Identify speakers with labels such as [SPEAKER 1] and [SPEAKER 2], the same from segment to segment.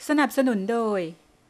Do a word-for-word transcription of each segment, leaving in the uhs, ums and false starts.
[SPEAKER 1] สนับสนุนโดย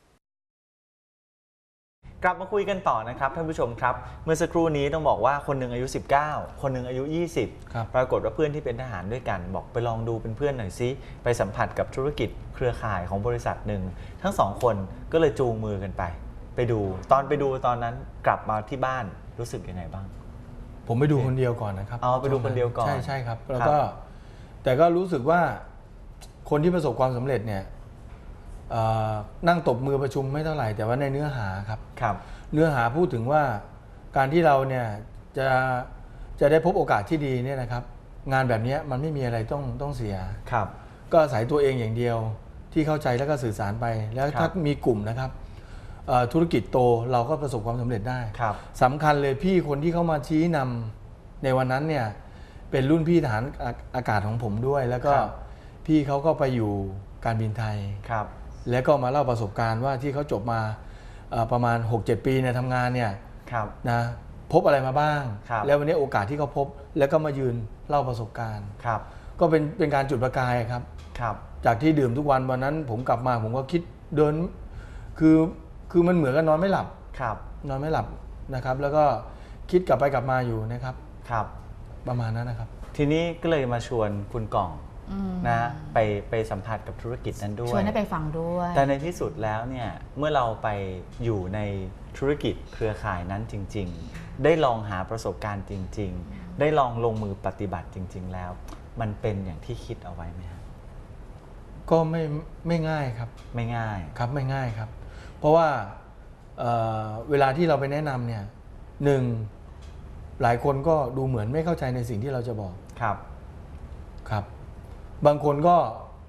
[SPEAKER 2] กลับมาคุยกันต่อนะครับท่านผู้ชมครับเมื่อสักครู่นี้ต้องบอกว่าคนหนึ่งอายุสิบเก้าคนหนึ่งอายุยี่สิบปรากฏว่าเพื่อนที่เป็นทหารด้วยกันบอกไปลองดูเป็นเพื่อนหน่อยซิไปสัมผัสกับธุรกิจเครือข่ายของบริษัทหนึ่งทั้งสองคนก็เลยจูงมือกันไปไปดูตอนไปดูตอนนั้นกลับมาที่บ้านรู้สึกยังไงบ้าง
[SPEAKER 3] ผมไปดูคนเดียวก่อนนะครับ
[SPEAKER 2] อ๋อไปดูคนเดียวก่อน
[SPEAKER 3] ใช่ใช่ครับแล้วก็แต่ก็รู้สึกว่าคนที่ประสบความสำเร็จเนี่ยนั่งตบมือประชุมไม่เท่าไหร่แต่ว่าในเนื้อหาครับ
[SPEAKER 2] ครับ
[SPEAKER 3] เนื้อหาพูดถึงว่าการที่เราเนี่ยจะจะได้พบโอกาสที่ดีเนี่ยนะครับงานแบบนี้มันไม่มีอะไรต้องต้องเสีย
[SPEAKER 2] ครับ
[SPEAKER 3] ก็อาศัยตัวเองอย่างเดียวที่เข้าใจแล้วก็สื่อสารไปแล้วถ้ามีกลุ่มนะครับธุรกิจโตเราก็ประสบความสำเร็จได้สำคัญเลยพี่คนที่เข้ามาชี้นำในวันนั้นเนี่ยเป็นรุ่นพี่ทหารอากาศของผมด้วยแล้วก็พี่เขาก็ไปอยู่การบินไทยแล้วก็มาเล่าประสบการณ์ว่าที่เขาจบมาประมาณ หกเจ็ด ปีเนี่ยทำงานเนี่ยนะพบอะไรมาบ้างแล้ววันนี้โอกาสที่เขาพบแล้วก็มายืนเล่าประสบการณ์ก็เป็นเป็นการจุดประกายครับจากที่ดื่มทุกวันวันนั้นผมกลับมาผมก็คิดเดินคือคือมันเหมือนกับนอนไม่หลับนอนไม่หลับนะครับแล้วก็คิดกลับไปกลับมาอยู่นะครับประมาณนั้นนะครับ
[SPEAKER 2] ทีนี้ก็เลยมาชวนคุณก่องนะไปไปสัมผัสกับธุรกิจนั้นด้วย
[SPEAKER 4] ชวนให้ไปฟังด้วย
[SPEAKER 2] แต่ในที่สุดแล้วเนี่ยเมื่อเราไปอยู่ในธุรกิจเครือข่ายนั้นจริงๆได้ลองหาประสบการณ์จริงๆได้ลองลงมือปฏิบัติจริงๆแล้วมันเป็นอย่างที่คิดเอาไว้ไหมครับ
[SPEAKER 3] ก็ไม่ไม่ง่ายครับ
[SPEAKER 2] ไม่ง่าย
[SPEAKER 3] ครับไม่ง่ายครับเพราะว่า เ, เวลาที่เราไปแนะนำเนี่ยหนึ่งหลายคนก็ดูเหมือนไม่เข้าใจในสิ่งที่เราจะบอก
[SPEAKER 2] ครับ
[SPEAKER 3] ครับบางคนก็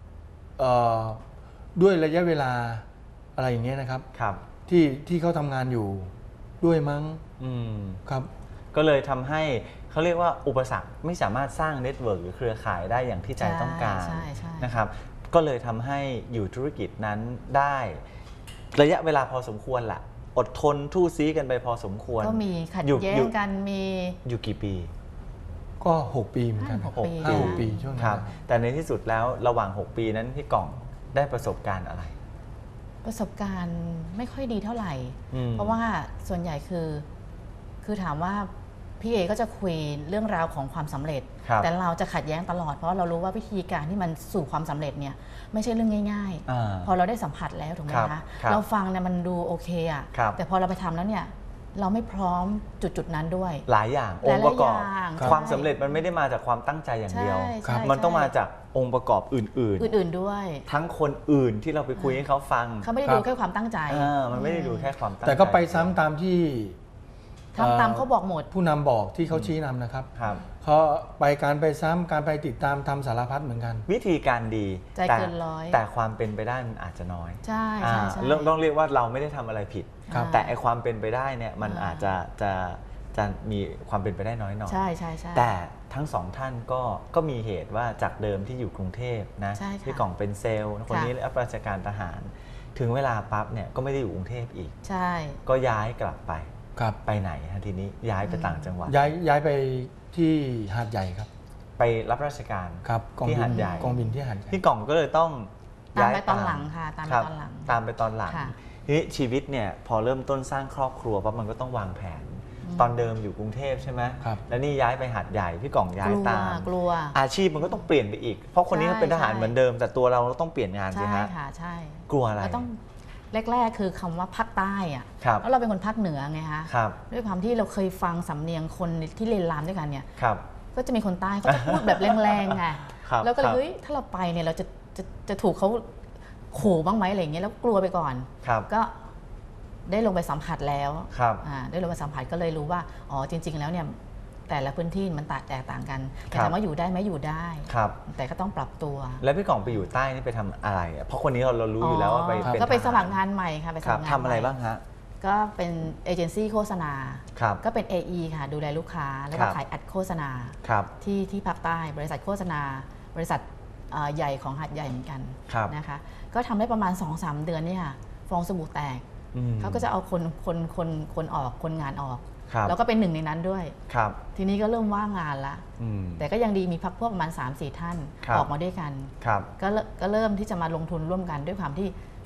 [SPEAKER 3] ด้วยระยะเวลาอะไรอย่างเงี้ยนะครับ
[SPEAKER 2] ครับ
[SPEAKER 3] ที่ที่เขาทำงานอยู่ด้วยมั้งครับ
[SPEAKER 2] ก็เลยทำให้เขาเรียกว่าอุปสรรคไม่สามารถสร้างเน็ตเวิร์กหรือเครือข่ายได้อย่างที่ใจต้องการนะครับก็เลยทำให้อยู่ธุรกิจนั้นได้ระยะเวลาพอสมควรแหละอดทนทู่ซี้กันไปพอสมควร
[SPEAKER 4] ก็มีขัดแย้งกันมี
[SPEAKER 2] อยู่กี่ปี
[SPEAKER 3] ก็หกปีเหมือนกัน
[SPEAKER 4] หกปี
[SPEAKER 3] ห้าหกปีช่วงนั้น
[SPEAKER 2] แต่ในที่สุดแล้วระหว่างหกปีนั้นพี่ก่องได้ประสบการณ์อะไร
[SPEAKER 4] ประสบการณ์ไม่ค่อยดีเท่าไหร่เพราะว่าส่วนใหญ่คือคือถามว่าพี่เอก็จะคุยเรื่องราวของความสำเร็จแต่เราจะขัดแย้งตลอดเพราะเรารู้ว่าวิธีการที่มันสู่ความสำเร็จเนี่ยไม่ใช่เรื่องง่ายๆพอเราได้สัมผัสแล้วถูกไหมคะเราฟังเนี่ยมันดูโอเคอะแต่พอเราไปทำแล้วเนี่ยเราไม่พร้อมจุดจุดนั้นด้วย
[SPEAKER 2] หลายอย่างองค์ประกอบความสำเร็จมันไม่ได้มาจากความตั้งใจอย่างเดียวมันต้องมาจากองค์ประกอบอื่น
[SPEAKER 4] ๆอื่นๆด้วย
[SPEAKER 2] ทั้งคนอื่นที่เราไปคุยให้เขาฟัง
[SPEAKER 4] เขาไม่ได้ดูแค่ความตั้งใจ
[SPEAKER 2] มันไม่ได้ดูแค่ความตั้งใจ
[SPEAKER 3] แต่ก็ไปซ้ำตามที่
[SPEAKER 4] ทำตามเขาบอกหมด
[SPEAKER 3] ผู้นำบอกที่เขาชี้นำนะครับเขาไปการไปซ้ำการไปติดตามทำสารพัดเหมือนกัน
[SPEAKER 2] วิธีการดี
[SPEAKER 4] ใจเกินร้อย
[SPEAKER 2] แต่ความเป็นไปได้มันอาจจะน้อย
[SPEAKER 4] ใช่ใช่ใช่
[SPEAKER 2] ต้องเรียกว่าเราไม่ได้ทำอะไรผิดแต่ไอความเป็นไปได้เนี่ยมันอาจจะจะจะมีความเป็นไปได้น้อยหน่อย
[SPEAKER 4] ใช่ใช่ใช่
[SPEAKER 2] แต่ทั้งสองท่านก็ก็มีเหตุว่าจากเดิมที่อยู่กรุงเทพนะที่ก่องเป็นเซลล์คนนี้รับราชการทหารถึงเวลาปั๊บเนี่ยก็ไม่ได้อยู่กรุงเทพอีก
[SPEAKER 4] ใช่
[SPEAKER 2] ก็ย้ายกลับไปไปไหนฮะทีนี้ย้ายไปต่างจังหวัด
[SPEAKER 3] ย้ายย้ายไปที่หาดใหญ่ครับ
[SPEAKER 2] ไปรับราชการ
[SPEAKER 3] ครับ
[SPEAKER 2] ที่หาดใหญ่
[SPEAKER 3] กองบินที่หาดใหญ่
[SPEAKER 2] พี่ก่องก็เลยต้อง
[SPEAKER 4] ตามไปตอนหลังค่ะตามไปตอนหลัง
[SPEAKER 2] ตามไปตอนหลังทีนี้ชีวิตเนี่ยพอเริ่มต้นสร้างครอบครัวปั๊บมันก็ต้องวางแผนตอนเดิมอยู่กรุงเทพใช่ไหมแล้วนี่ย้ายไปหาดใหญ่พี่ก่องย้ายตาม
[SPEAKER 4] กลัว
[SPEAKER 2] อาชีพมันก็ต้องเปลี่ยนไปอีกเพราะคนนี้เขาเป็นทหารเหมือนเดิมแต่ตัวเราต้องเปลี่ยนงานใช่ไหม
[SPEAKER 4] ใช่ค่ะใช่
[SPEAKER 2] กลัวอะไร
[SPEAKER 4] แรกๆคือคำว่าภาคใต้อะแล้วเราเป็นคนภาคเหนือไงคะด้วยความที่เราเคยฟังสำเนียงคนที่เรียนรามด้วยกันเนี่ยก็จะมีคนใต้เขาจะพูดแบบแรงๆไงแล้วก็เลยเฮ้ยถ้าเราไปเนี่ยเราจะจะจะถูกเขาขู่บ้างไหมอะไรอย่างเงี้ยแล้วกลัวไปก่อนก็ได้ลงไปสัมผัสแล้วได้ลงไปสัมผัสก็เลยรู้ว่าอ๋อจริงๆแล้วเนี่ยแต่ละพื้นที่มันแตกต่างกันแต่ถามว่าอยู่ได้ไหมอยู่ได้แต่ก็ต้องปรับตัว
[SPEAKER 2] แล้วพี่ก่องไปอยู่ใต้นี่ไปทำอะไรเพราะคนนี้เราเรารู้อยู่แล้วว่าไป
[SPEAKER 4] ก็ไปสมัครงานใหม่ค่ะไปสมัครงาน
[SPEAKER 2] ทำอะไรบ้างฮะ
[SPEAKER 4] ก็เป็นเอเจนซี่โฆษณาก็เป็น เอ อี ค่ะดูแลลูกค้าแล้วก็ขายแอดโฆษณาที่ที่ภาคใต้บริษัทโฆษณาบริษัทใหญ่ของหาดใหญ่เหมือนกันนะคะก็ทำได้ประมาณ สองสาม เดือนนี่ค่ะฟองสบู่แตกเขาก็จะเอาคนคนคนคนออกคนงานออกแล้วก็เป็นหนึ่งในนั้นด้วยทีนี้ก็เริ่มว่างงานละแต่ก็ยังดีมีพักพวกประมาณ สามสี่ ท่านออกมาด้วยกันก็ก็เริ่มที่จะมาลงทุนร่วมกันด้วยความที่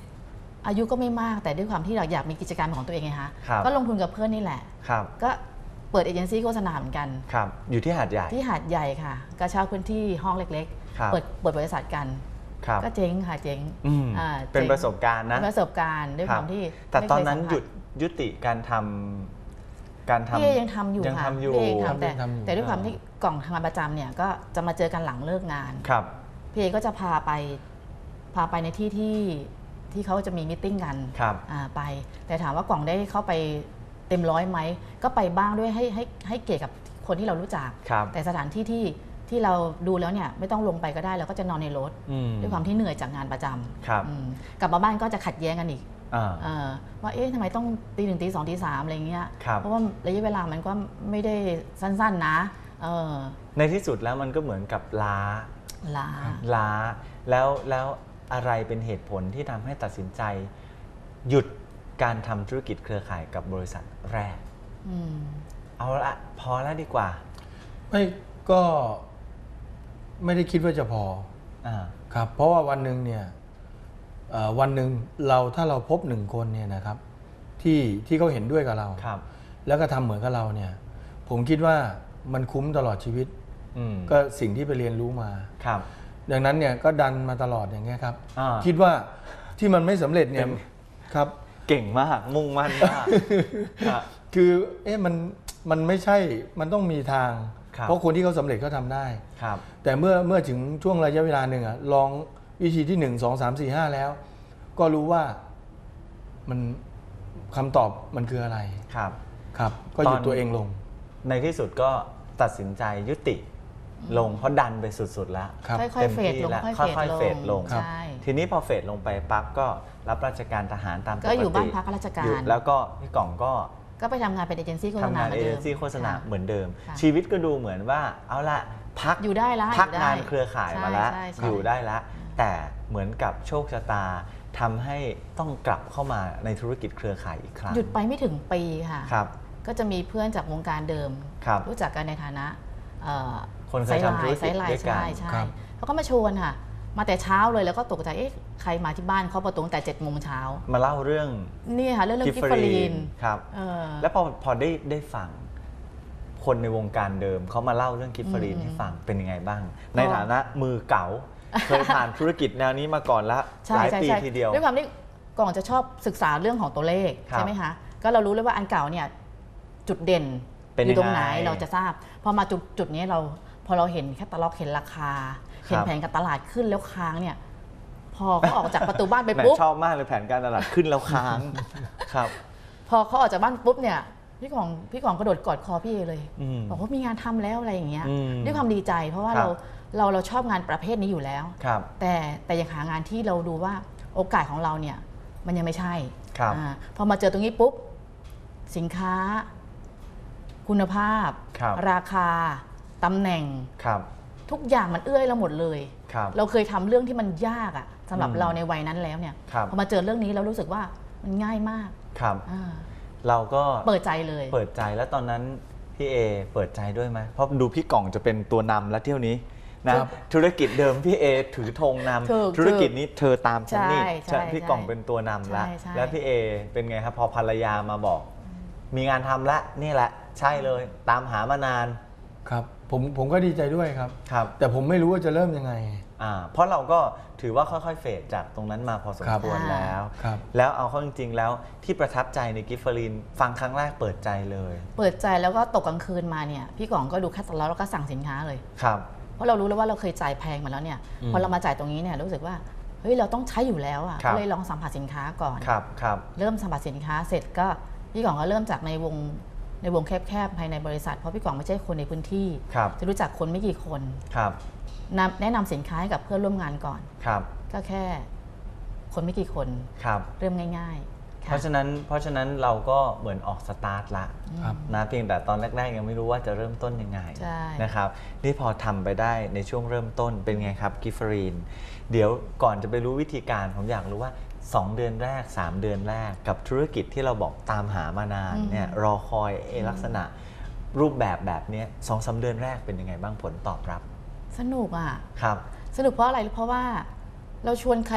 [SPEAKER 4] อายุก็ไม่มากแต่ด้วยความที่เราอยากมีกิจการของตัวเองไงคะก็ลงทุนกับเพื่อนนี่แหละก็เปิดเอเจนซี่โฆษณาเหมือนกัน
[SPEAKER 2] ครับอยู่ที่หาดใหญ่
[SPEAKER 4] ที่หาดใหญ่ค่ะก็เช่าพื้นที่ห้องเล็กๆเปิดเปิดบริษัทกันก็เจ๊งค่ะเจ๊ง
[SPEAKER 2] เป็นประสบการณ์นะ
[SPEAKER 4] ประสบการณ์ด้วยความที่
[SPEAKER 2] แต่ตอนนั้นหยุดยุติการทำการทำ
[SPEAKER 4] พี่ยังทำอยู่ค่ะพี่เองทำแต่แต่ด้วยความที่กล่องทำงานประจำเนี่ยก็จะมาเจอกันหลังเลิกงาน
[SPEAKER 2] ครับ
[SPEAKER 4] พี่เอก็จะพาไปพาไปในที่ที่ที่เขาจะมีมิทติ้งกันไปแต่ถามว่ากล่องได้เข้าไปเต็มร้อยไหมก็ไปบ้างด้วยให้ให้ให้เกียรติกับคนที่เรารู้จักแต่สถานที่ที่ที่เราดูแล้วเนี่ยไม่ต้องลงไปก็ได้เราก็จะนอนในรถด้วยความที่เหนื่อยจากงานประจำกลับมาบ้านก็จะขัดแย้งกันอีกว่าเอ๊ะทำไมต้องตีหนึ่งตีสองตีสามอะไรเงี้ยเพราะว่าระยะเวลามันก็ไม่ได้สั้นๆนะ
[SPEAKER 2] ในที่สุดแล้วมันก็เหมือนกับล้า
[SPEAKER 4] ล้า
[SPEAKER 2] ล้าแล้วแล้วอะไรเป็นเหตุผลที่ทำให้ตัดสินใจหยุดการทำธุรกิจเครือข่ายกับบริษัทแรกเอาละพอแล้วดีกว่า
[SPEAKER 3] ไม่ก็ไม่ได้คิดว่าจะพออครับเพราะว่าวันหนึ่งเนี่ยวันหนึ่งเราถ้าเราพบหนึ่งคนเนี่ยนะครับที่ที่เขาเห็นด้วยกับเราแล้วก็ทำเหมือนกับเราเนี่ยผมคิดว่ามันคุ้มตลอดชีวิตก็สิ่งที่ไปเรียนรู้มา
[SPEAKER 2] ครับ
[SPEAKER 3] ดังนั้นเนี่ยก็ดันมาตลอดอย่างเงี้ยครับคิดว่าที่มันไม่สำเร็จเนี่ยครับ
[SPEAKER 2] เก่งมากมุ่งมั่นมาก
[SPEAKER 3] คือเอ๊ะมันมันไม่ใช่มันต้องมีทางเพราะคนที่เขาสำเร็จเขาทำได้แต่เมื่อเมื่อถึงช่วงระยะเวลาหนึ่งอะลองวิธีที่หนึ่งสองสามสี่ห้าแล้วก็รู้ว่ามันคำตอบมันคืออะไร
[SPEAKER 2] ครับ
[SPEAKER 3] ครับก็หยุดตัวเองลง
[SPEAKER 2] ในที่สุดก็ตัดสินใจยุติลงเพราะดันไปสุดๆแล้ว
[SPEAKER 4] ค่อยๆเฟดลง
[SPEAKER 2] ค่อยๆเฟดลงทีนี้พอเฟดลงไปปั๊บก็รับราชการทหารตามปกติ
[SPEAKER 4] ก็อยู่บ้านพักราชการ
[SPEAKER 2] แล้วก็พี่กล่องก็
[SPEAKER 4] ก็ไปทำงานเป็นเอเจนซี่โฆษณา
[SPEAKER 2] ทำงานเอเจนซี่โฆษณาเหมือนเดิมชีวิตก็ดูเหมือนว่าเอาละพัก
[SPEAKER 4] อยู่ได้ละ
[SPEAKER 2] พักงานเครือข่ายมาแล้วอยู่ได้ละแต่เหมือนกับโชคชะตาทำให้ต้องกลับเข้ามาในธุรกิจเครือข่ายอีกครั้ง
[SPEAKER 4] หยุดไปไม่ถึงปีค่ะก็จะมีเพื่อนจากวงการเดิมรู้จักกันในฐานะ
[SPEAKER 2] คนเคยทำธุรกิจด้วยกัน
[SPEAKER 4] เขาก็มาชวนค่ะมาแต่เช้าเลยแล้วก็ตกใจเอ๊ะใครมาที่บ้านเขาประตูตั้งแต่เจ็ดโมงเช้า
[SPEAKER 2] มาเล่าเรื่อง
[SPEAKER 4] นี่ค่ะเรื่องกิฟฟรีน
[SPEAKER 2] ครับแล้วพอพอได้ได้ฟังคนในวงการเดิมเขามาเล่าเรื่องกิฟฟรีนให้ฟังเป็นยังไงบ้างในฐานะมือเก๋าเคยผ่านธุรกิจแนวนี้มาก่อนแล้วหลายปีทีเดียว
[SPEAKER 4] ด้วยความที่ก่อนจะชอบศึกษาเรื่องของตัวเลขใช่ไหมคะก็เรารู้เลยว่าอันเก่าเนี่ยจุดเด่นอยู่ตรงไหนเราจะทราบพอมาจุดจุดนี้เราพอเราเห็นแค่ตลอกเห็นราคาเห็นแผนการตลาดขึ้นแล้วค้างเนี่ยพอเขาออกจากประตูบ้านไปปุ๊บ
[SPEAKER 2] ชอบมากเลยแผนการตลาดขึ้นแล้วค้างครับ
[SPEAKER 4] พอเขาออกจากบ้านปุ๊บเนี่ยพี่ของพี่ของกระโดดกอดคอพี่เลยบอกว่ามีงานทำแล้วอะไรอย่างเงี้ยด้วยความดีใจเพราะว่าเราเราเราชอบงานประเภทนี้อยู่แล้วแต่แต่ยังหางานที่เราดูว่าโอกาสของเราเนี่ยมันยังไม่ใช่พอมาเจอตรงนี้ปุ๊บสินค้าคุณภาพราคาตำแหน่งทุกอย่างมันเอื้อยเราหมดเลยเราเคยทำเรื่องที่มันยากอะสำหรับเราในวัยนั้นแล้วเนี่ยพอมาเจอเรื่องนี้เรารู้สึกว่ามันง่ายมาก
[SPEAKER 2] ครับเราก็
[SPEAKER 4] เปิดใจเลย
[SPEAKER 2] เปิดใจแล้วตอนนั้นพี่เอเปิดใจด้วยไหมเพราะดูพี่กล่องจะเป็นตัวนำแล้วเที่ยวนี้นะธุรกิจเดิมพี่เอถือธงนำธุรกิจนี้เธอตามฉันนี่พี่กล่องเป็นตัวนำแล้วแล้วพี่เอเป็นไงครับพอภรรยามาบอกมีงานทำแล้วนี่แหละใช่เลยตามหามานาน
[SPEAKER 3] ครับผมผมก็ดีใจด้วยครับ
[SPEAKER 2] ครับ
[SPEAKER 3] แต่ผมไม่รู้ว่าจะเริ่มยังไง
[SPEAKER 2] อ่าเพราะเราก็ถือว่าค่อยๆเฟดจากตรงนั้นมาพอสมควรแล้วแล้วเอาเข้าจริงๆแล้วที่ประทับใจในกิฟฟรีนฟังครั้งแรกเปิดใจเลย
[SPEAKER 4] เปิดใจแล้วก็ตกกลางคืนมาเนี่ยพี่กล่องก็ดูแคตตาล็อกแล้วก็สั่งสินค้าเลย
[SPEAKER 2] ครับ
[SPEAKER 4] เพราะเรารู้แล้วว่าเราเคยจ่ายแพงมาแล้วเนี่ยพอเรามาจ่ายตรงนี้เนี่ยรู้สึกว่าเฮ้ยเราต้องใช้อยู่แล้วอ่ะก็เลยลองสัมผัสสินค้าก่อน
[SPEAKER 2] ครับครับ
[SPEAKER 4] เริ่มสัมผัสสินค้าเสร็จก็พี่กล่องก็เริ่มจากในวงในวงแคบๆภายในบริษัทเพราะพี่กล่องไม่ใช่คนในพื้นที่จะรู้จักคนไม่กี่คนแนะนำสินค้าให้กับเพื่อนร่วมงานก่อนก็แค่คนไม่กี่คนเริ่มง่ายๆ
[SPEAKER 2] เพราะฉะนั้นเพราะฉะนั้นเราก็เหมือนออกสตาร์ทละนะเพียงแต่ตอนแรกๆยังไม่รู้ว่าจะเริ่มต้นยังไงนะครับนี่พอทำไปได้ในช่วงเริ่มต้นเป็นไงครับกิฟฟรีนเดี๋ยวก่อนจะไปรู้วิธีการผมอยากรู้ว่าสองเดือนแรกสามเดือนแรกกับธุรกิจที่เราบอกตามหามานานเนี่ยรอคอยลักษณะรูปแบบแบบนี้สองสามเดือนแรกเป็นยังไงบ้างผลตอบรับ
[SPEAKER 4] สนุกอ่ะ
[SPEAKER 2] ครับ
[SPEAKER 4] สนุกเพราะอะไรเพราะว่าเราชวนใคร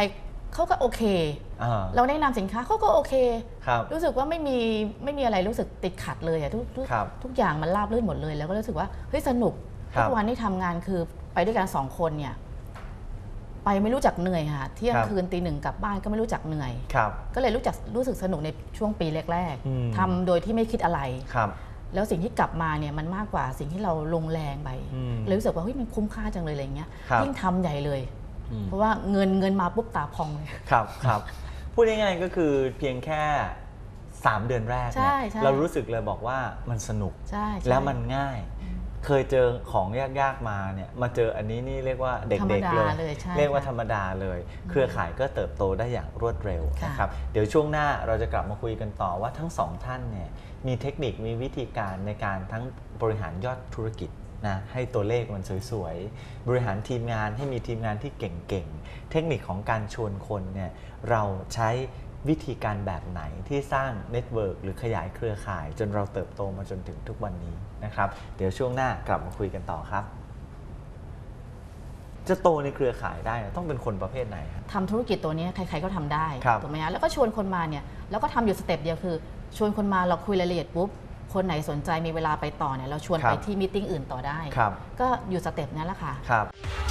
[SPEAKER 4] เขาก็โอเคเราแนะนำสินค้าเขาก็โอเครู้สึกว่าไม่มีไม่มีอะไรรู้สึกติดขัดเลยอะทุกทุกอย่างมันราบรื่นหมดเลยแล้วก็รู้สึกว่าเฮ้ยสนุกทุกวันที่ทำงานคือไปด้วยกันสองคนเนี่ยไปไม่รู้จักเหนื่อยค่ะเที่ยงคืนตีหนึ่งกลับบ้านก็ไม่รู้จักเหนื่อยก็เลยรู้จักรู้สึกสนุกในช่วงปีแรกๆทำโดยที่ไม่คิดอะไรแล้วสิ่งที่กลับมาเนี่ยมันมากกว่าสิ่งที่เราลงแรงไปเลยรู้สึกว่าเฮ้ยมันคุ้มค่าจังเลยอะไรเงี้ยยิ่งทำใหญ่เลยเพราะว่าเงินเงินมาปุ๊บตาพองเลย
[SPEAKER 2] ครับครับพูดง่ายๆก็คือเพียงแค่สามเดือนแรกเนี่ยเรารู้สึกเลยบอกว่ามันสนุกแล้วมันง่ายเคยเจอของยากๆมาเนี่ยมาเจออันนี้นี่เรียกว่าเด็กๆเลยเรียกว่าธรรมดาเลยเครือข่ายก็เติบโตได้อย่างรวดเร็วนะครับเดี๋ยวช่วงหน้าเราจะกลับมาคุยกันต่อว่าทั้งสองท่านเนี่ยมีเทคนิคมีวิธีการในการทั้งบริหารยอดธุรกิจนะให้ตัวเลขมันสวยๆบริหารทีมงานให้มีทีมงานที่เก่งๆเทคนิคของการชวนคนเนี่ยเราใช้วิธีการแบบไหนที่สร้างเน็ตเวิร์กหรือขยายเครือข่ายจนเราเติบโตมาจนถึงทุกวันนี้นะครับเดี๋ยวช่วงหน้ากลับมาคุยกันต่อครับจะโตในเครือข่ายได้ต้องเป็นคนประเภทไหนครับ
[SPEAKER 4] ทำธุรกิจตัวนี้ใครๆก็ทำได้ถูกไหมฮะแล้วก็ชวนคนมาเนี่ยแล้วก็ทำอยู่สเต็ปเดียวคือชวนคนมาเราคุยรายละเอียดปุ๊บคนไหนสนใจมีเวลาไปต่อเนี่ยเราชวนไปที่มีตติ้งอื่นต่อได้ก็อยู่สเต็ปนั้นแหละค่ะ
[SPEAKER 2] ครับ